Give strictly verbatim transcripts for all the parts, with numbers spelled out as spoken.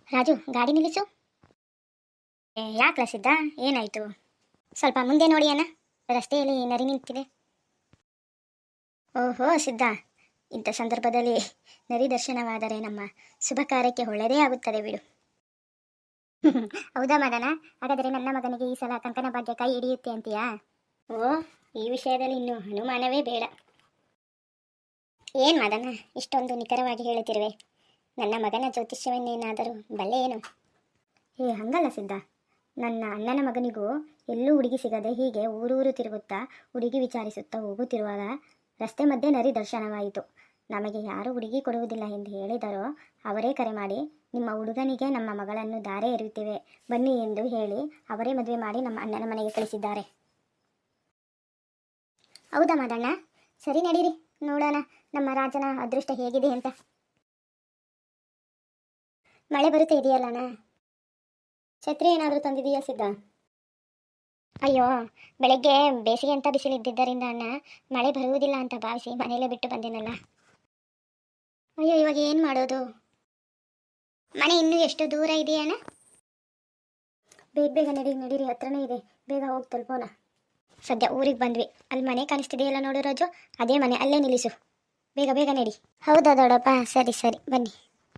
ರಾಜು, ಗಾಡಿ ನಿಲ್ಲಿಸು. ಏ ಯಾಕೆ ಸಿದ್ಧ, ಏನಾಯಿತು? ಸ್ವಲ್ಪ ಮುಂದೆ ನೋಡಿ ಅಣ್ಣ, ರಸ್ತೆಯಲ್ಲಿ ನರಿ ನಿಂತಿದೆ. ಓಹೋ ಸಿದ್ಧ, ಇಂಥ ಸಂದರ್ಭದಲ್ಲಿ ನರಿ ದರ್ಶನವಾದರೆ ನಮ್ಮ ಶುಭ ಕಾರ್ಯಕ್ಕೆ ಒಳ್ಳೆಯದೇ ಆಗುತ್ತದೆ ಬಿಡು. ಹೌದಾ ಮದನ? ಹಾಗಾದರೆ ನನ್ನ ಮಗನಿಗೆ ಈ ಸಲ ಕಂಕಣ ಭಾಗ್ಯ ಕೈ ಹಿಡಿಯುತ್ತೆ ಅಂತೀಯಾ? ಓ, ಈ ವಿಷಯದಲ್ಲಿ ಇನ್ನೂ ಅನುಮಾನವೇ ಬೇಡ. ಏನು ಮದನ, ಇಷ್ಟೊಂದು ನಿಖರವಾಗಿ ಹೇಳುತ್ತಿರುವೆ? ನನ್ನ ಮಗನ ಜ್ಯೋತಿಷ್ಯವನ್ನೇನಾದರೂ ಬಲ್ಲೆ ಏನು? ಏ ಹಂಗಲ್ಲ ಸಿದ್ಧ, ನನ್ನ ಅಣ್ಣನ ಮಗನಿಗೂ ಎಲ್ಲೂ ಹುಡುಗಿ ಸಿಗದೆ ಹೀಗೆ ಊರೂರು ತಿರುಗುತ್ತಾ ಹುಡುಗಿ ವಿಚಾರಿಸುತ್ತಾ ಹೋಗುತ್ತಿರುವಾಗ ರಸ್ತೆ ಮಧ್ಯೆ ನರಿ ದರ್ಶನವಾಯಿತು. ನಮಗೆ ಯಾರು ಹುಡುಗಿ ಕೊಡುವುದಿಲ್ಲ ಎಂದು ಹೇಳಿದರೋ ಅವರೇ ಕರೆ ಮಾಡಿ, ನಿಮ್ಮ ಹುಡುಗನಿಗೆ ನಮ್ಮ ಮಗಳನ್ನು ದಾರೆ ಎರೆಯುತ್ತೇವೆ ಬನ್ನಿ ಎಂದು ಹೇಳಿ ಅವರೇ ಮದುವೆ ಮಾಡಿ ನಮ್ಮ ಅಣ್ಣನ ಮನೆಗೆ ಕಳಿಸಿದ್ದಾರೆ. ಹೌದಾ ಮದಣ್ಣ? ಸರಿ ನಡೀರಿ, ನೋಡೋಣ ನಮ್ಮ ರಾಜನ ಅದೃಷ್ಟ ಹೇಗಿದೆ ಅಂತ. ಮಳೆ ಬರುತ್ತೆ ಇದೆಯಲ್ಲಣ್ಣ? ಛತ್ರಿ ಏನಾದರೂ ತಂದಿದೆಯಾ ಸಿದ್ಧ? ಅಯ್ಯೋ, ಬೆಳಗ್ಗೆ ಬೇಸಿಗೆ ಅಂತ ಬಿಸಿಲಿದ್ದಿದ್ದರಿಂದ ಅಣ್ಣ ಮಳೆ ಬರುವುದಿಲ್ಲ ಅಂತ ಭಾವಿಸಿ ಮನೆಯಲ್ಲೇ ಬಿಟ್ಟು ಬಂದೇನಲ್ಲ. ಅಯ್ಯೋ, ಇವಾಗ ಏನು ಮಾಡೋದು? ಮನೆ ಇನ್ನೂ ಎಷ್ಟು ದೂರ ಇದೆಯಣ್ಣ? ಬೇಗ ಬೇಗ ನಡೀರಿ ನಡೀರಿ, ಹತ್ರನೇ ಇದೆ, ಬೇಗ ಹೋಗಿ ತಲುಪೋಣ. ಸದ್ಯ ಊರಿಗೆ ಬಂದ್ವಿ, ಅಲ್ಲಿ ಮನೆ ಕಾಣಿಸ್ತಿದೆಯಲ್ಲ ನೋಡು ರಾಜು, ಅದೇ ಮನೆ, ಅಲ್ಲೇ ನಿಲ್ಲಿಸು, ಬೇಗ ಬೇಗ ನಡಿ. ಹೌದಾ ದೊಡ್ಡಪ್ಪ? ಸರಿ ಸರಿ ಬನ್ನಿ.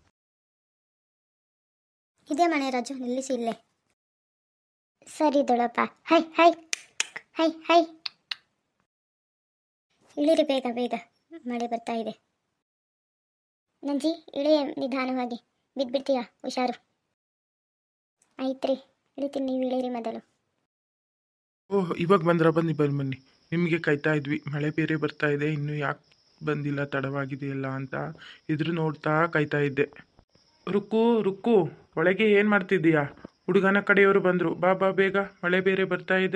ಇದೇ ಮನೆ ರಾಜು, ನಿಲ್ಲಿಸಿ ಇಲ್ಲೇ. ಸರಿ ದೊಡ್ಡಪ್ಪ. ಹೈ ಹೈ ಹೈ ಹೈ ಇಳಿರಿ ಬೇಗ ಬೇಗ, ಮಳೆ ಬರ್ತಾ ಇದೆ. ನಂಜಿ ಇಳಿಯ ನಿಧಾನವಾಗಿ, ಬಿದ್ದುಬಿಡ್ತೀಯಾ, ಹುಷಾರು. ಆಯ್ತ್ರಿ, ಇಳಿತೀನಿ, ನೀವು ಇಳಿರಿ ಮೊದಲು. ಓಹ್, ಇವಾಗ ಬಂದ್ರ? ಬನ್ನಿ ಬನ್ನಿ ಬನ್ನಿ, ನಿಮಗೆ ಕಾಯ್ತಾ ಇದ್ವಿ. ಮಳೆ ಬೇರೆ ಬರ್ತಾ ಇದೆ, ಇನ್ನೂ ಯಾಕೆ ಬಂದಿಲ್ಲ, ತಡವಾಗಿದೆಯಲ್ಲ ಅಂತ ಇದ್ರು ನೋಡ್ತಾ ಕಾಯ್ತಾ ಇದ್ದೆ. ರುಕ್ಕು ರುಕ್ಕು, ಒಳಗೆ ಏನು ಮಾಡ್ತಿದ್ದೀಯಾ? ಹುಡುಗನ ಕಡೆಯವರು ಬಂದರು, ಬಾ ಬಾ ಬೇಗ, ಮಳೆ ಬೇರೆ ಬರ್ತಾ ಇದೆ.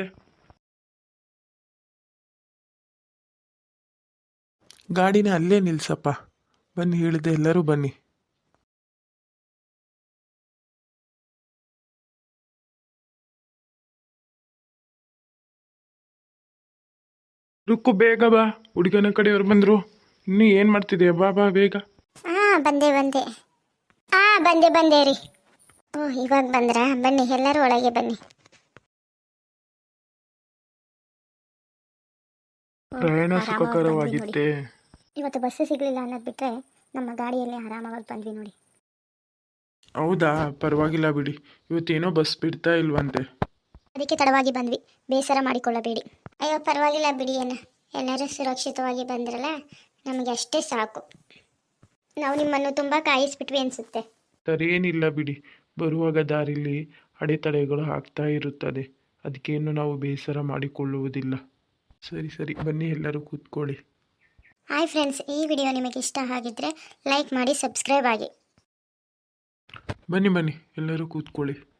ಗಾಡಿನ ಅಲ್ಲೇ ನಿಲ್ಸಪ್ಪ, ಬನ್ನಿ ಹೇಳಿದೆ, ಎಲ್ಲರೂ ಬನ್ನಿ. ರುಕ್ಕು ಬೇಗ ಬಾ, ಹುಡುಗನ ಕಡೆಯವರು ಬಂದರು, ಇನ್ನೂ ಏನು ಮಾಡ್ತಿದೆಯಾ? ಬಾ ಬಾ ಬೇಗ. ಹಾಂ ಬಂದೆ ಬಂದೆ ಹಾಂ ಬಂದೆ ಬಂದೆ ರೀ. ಓ, ಇವಾಗ ಬಂದ್ರಾ? ಬನ್ನಿ ಎಲ್ಲರೂ ಒಳಗೆ ಬನ್ನಿ. ಪ್ರಯಾಣ ಸುಖಕರವಾಗಿತ್ತೆ. ಇವತ್ತು ಬಸ್ ಸಿಗಲಿಲ್ಲ ಅನ್ನೋದು ಬಿಟ್ಟರೆ ನಮ್ಮ ಗಾಡಿಯಲ್ಲೇ ಆರಾಮಾಗಿ ಬಂದ್ವಿ ನೋಡಿ. ಹೌದಾ? ಪರವಾಗಿಲ್ಲ ಬಿಡಿ, ಇವತ್ತೇನೋ ಬಸ್ ಬಿಡ್ತಾ ಇಲ್ವಂತೆ, ಅದಕ್ಕೆ ತಡವಾಗಿ ಬಂದ್ವಿ, ಬೇಸರ ಮಾಡಿಕೊಳ್ಳಬೇಡಿ. ಅಯ್ಯೋ ಪರವಾಗಿಲ್ಲ ಬಿಡಿ ಅಣ್ಣ, ಎಲ್ಲರೂ ಸುರಕ್ಷಿತವಾಗಿ ಬಂದ್ರಲ್ಲ, ನಮಗೆ ಅಷ್ಟೇ ಸಾಕು. ನಾವು ನಿಮ್ಮನ್ನು ತುಂಬ ಕಾಯಿಸ್ಬಿಟ್ವಿ ಅನಿಸುತ್ತೆ. ಸರಿಯೇನಿಲ್ಲ ಬಿಡಿ, ಬರುವಾಗ ದಾರಿಲಿ ಅಡೆತಡೆಗಳು ಆಗ್ತಾ ಇರುತ್ತದೆ, ಅದಕ್ಕೇನು ನಾವು ಬೇಸರ ಮಾಡಿಕೊಳ್ಳುವುದಿಲ್ಲ. ಸರಿ ಸರಿ ಬನ್ನಿ, ಎಲ್ಲರೂ ಕೂತ್ಕೊಳ್ಳಿ. ಹಾಯ್ ಫ್ರೆಂಡ್ಸ್, ಈ ವಿಡಿಯೋ ನಿಮಗೆ ಇಷ್ಟ ಆಗಿದ್ದರೆ ಲೈಕ್ ಮಾಡಿ, ಸಬ್ಸ್ಕ್ರೈಬ್ ಆಗಿ. ಬನ್ನಿ ಬನ್ನಿ, ಎಲ್ಲರೂ ಕೂತ್ಕೊಳ್ಳಿ.